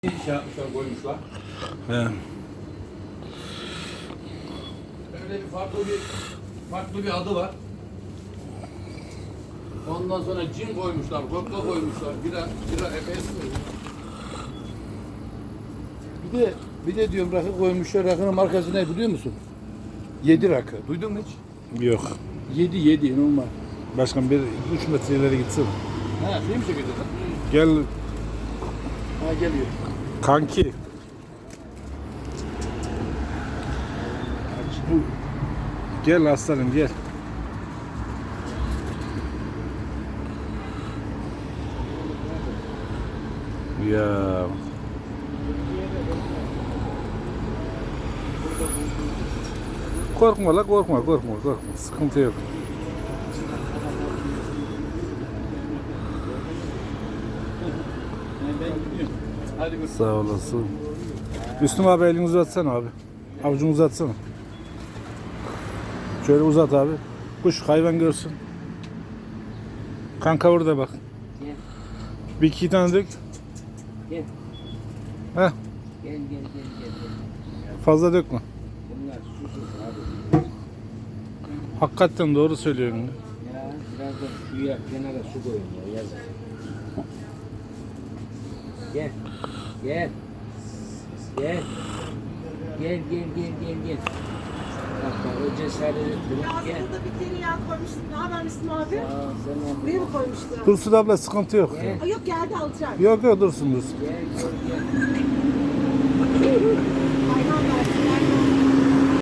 Şey yapmışlar, koymuşlar. He. Öyle bir farklı bir adı var. Ondan sonra cin koymuşlar, vodka koymuşlar, bira efes koymuşlar. Bir de diyorum rakı koymuşlar. Rakının markası ne biliyor musun? 7 rakı. Duydun mu hiç? Yok. 7 normal. Başkan 3 metre ileri gitsin. Ha, şey mi çekeceğiz? Gel Ha, geliyor. kanki. Gel aslanım gel. Ya. Korkma la korkma. Sıkıntı yok. Hadi gör. Sağ olasın. Müslüm abi elini uzatsana abi. Avucunu uzatsana. Şöyle uzat abi. Kuş hayvan görsün. Kanka orada bak. Gel. Bir iki tane dök. Gel. Heh, Gel. fazla dökme. Bunlar susuz abi. Hakikaten doğru söylüyorsun. ya. Ya biraz da suya kenara su koyun ya yazık. Gel. Gel. Bak o cesaret ettin. Gel. Aslında bir tereyağı koymuştum. Ne haber Müslüm abi? Aa, sen Buraya mı koymuştum? Dursun abla sıkıntı yok. Gel. Yok geldi alacağım. Yok dursun. Gel.